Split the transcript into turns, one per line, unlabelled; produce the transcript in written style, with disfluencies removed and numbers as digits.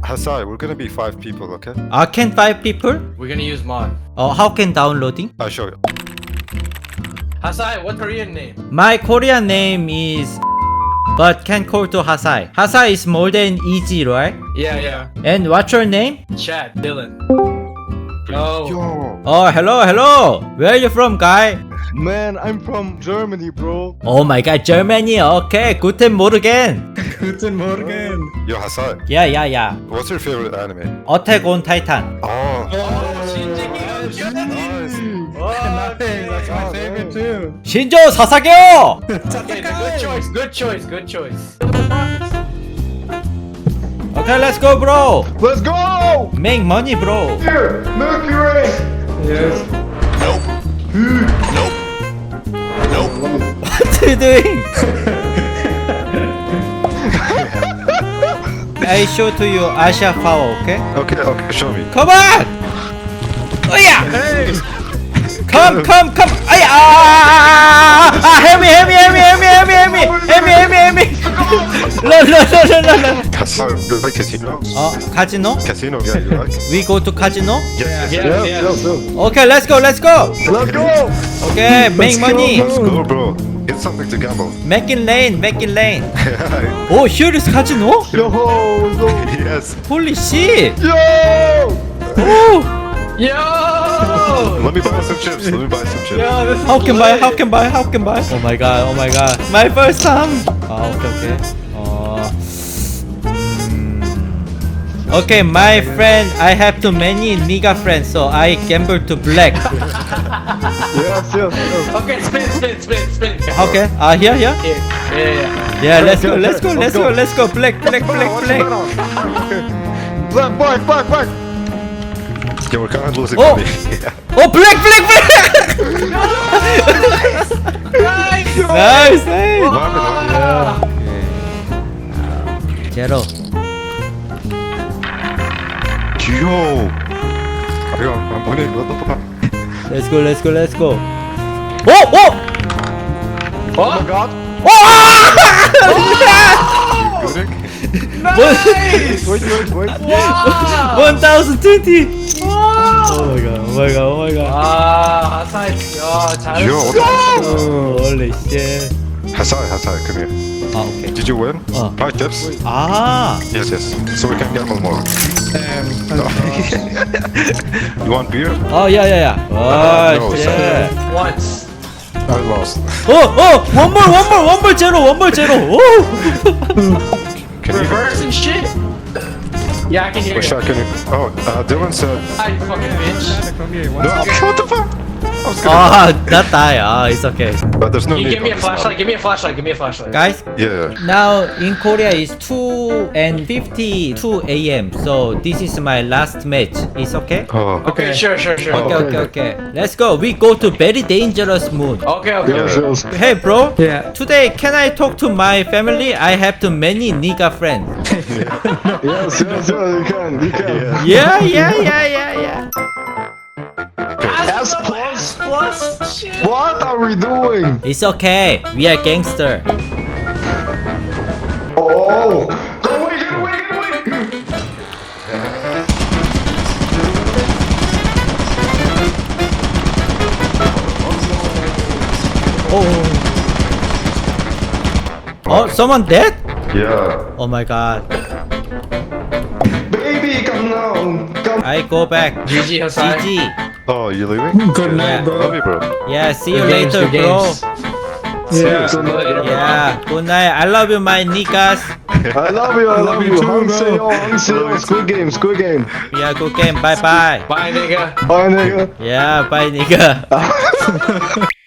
Hasai, we're gonna be 5 people, okay?
Can 5 people?
We're gonna use mod.
How can downloading?
I'll show you.
Hasai, what Korean name?
My Korean name is but can call to Hasai. Hasai is more than easy, right?
Yeah.
And what's your name?
Chad, Dylan. Oh.
Yo!
Oh, hello. Where are you from, guy?
Man, I'm from Germany, bro.
Oh my god, Germany. Okay, guten Morgen.
Guten Morgen.
Yo, Hasai,
Yeah.
what's your favorite anime?
Attack on Titan.
Oh,
That's my favorite too.
신조 사사게요.
Okay, good choice.
Okay, let's go, bro.
Let's go!
Make money, bro.
Here, Mercury! Yes.
What are you doing? I show to you Asha power, okay?
okay, show me.
Come on! Oh yeah!
Hey!
Come! Ay, help me! No.
Hasai, you like casino?
Casino?
Casino, yeah, you like?
We go to casino?
Yes.
Yes.
Okay, let's go.
Let's go!
Okay, make money.
Let's go, bro. Get something to gamble.
Making lane. Oh, here is casino?
Yo!
Yes.
Holy shit!
Yo!
Oh,
Yo!
Let me buy some chips.
Yo, this is
how can buy?
lit.
Oh my god. My first time. Okay. Okay, my friend, I have too many nigga friends, so I gamble to black.
Yes.
Okay, spin.
Okay, here.
Yeah.
Yeah, let's go. Black.
Black!
Yeah, we're kind of losing
Oh.
money. Yeah.
Oh, black.
Nice!
Nice.
Ah.
Zero.
Yo! I'm winning. What the fuck?
Let's go. Oh!
Oh my god!
Good.
Nice!
Wait.
Wow!
1020.
Wow!
Oh my god.
Hasai. 잘했어.
Yo, what the
Oh, holy shit.
Hasai, come here.
Okay.
Did you win?
Oh.
5 chips? Yes. So we can gamble more. You want beer?
Oh, yeah. Oh,
No,
shit.
Once.
I lost.
Oh, one more zero. Oh.
Can you?
Reverse and shit. Yeah, I can hear
Wish I
you.
could. Oh, Dylan said.
Hi, you fucking bitch.
No, what the fuck? I was gonna.
Ah, not die. It's okay.
But there's no
Can you
need.
give me a
on this
flashlight? Give me a flashlight.
Guys,
Yeah.
now in Korea is 2:52 a.m. So this is my last match. It's okay?
Oh.
Okay, sure.
Okay. Let's go. We go to very dangerous mood.
Okay.
Yes.
Hey, bro.
Yeah.
Today, can I talk to my family? I have too many nigga friends.
Yes, you can.
Yeah.
S plus. Shit.
What are we doing?
It's okay. We are gangster.
Oh! Go away!
Oh, someone dead?
Yeah.
Oh my god.
Baby, come now! Come!
I go back.
GG, Hasai.
GG.
Oh, you leaving?
Good
night,
bro.
Love you, bro.
Yeah, see you
Good games,
later,
good
bro.
games.
Yeah.
Yeah, good night. I love you, my niggas.
I love you. Hangseo. Squid game.
Yeah, good game. Bye bye.
Bye, nigga.
Bye, nigga.
Yeah, bye, nigga.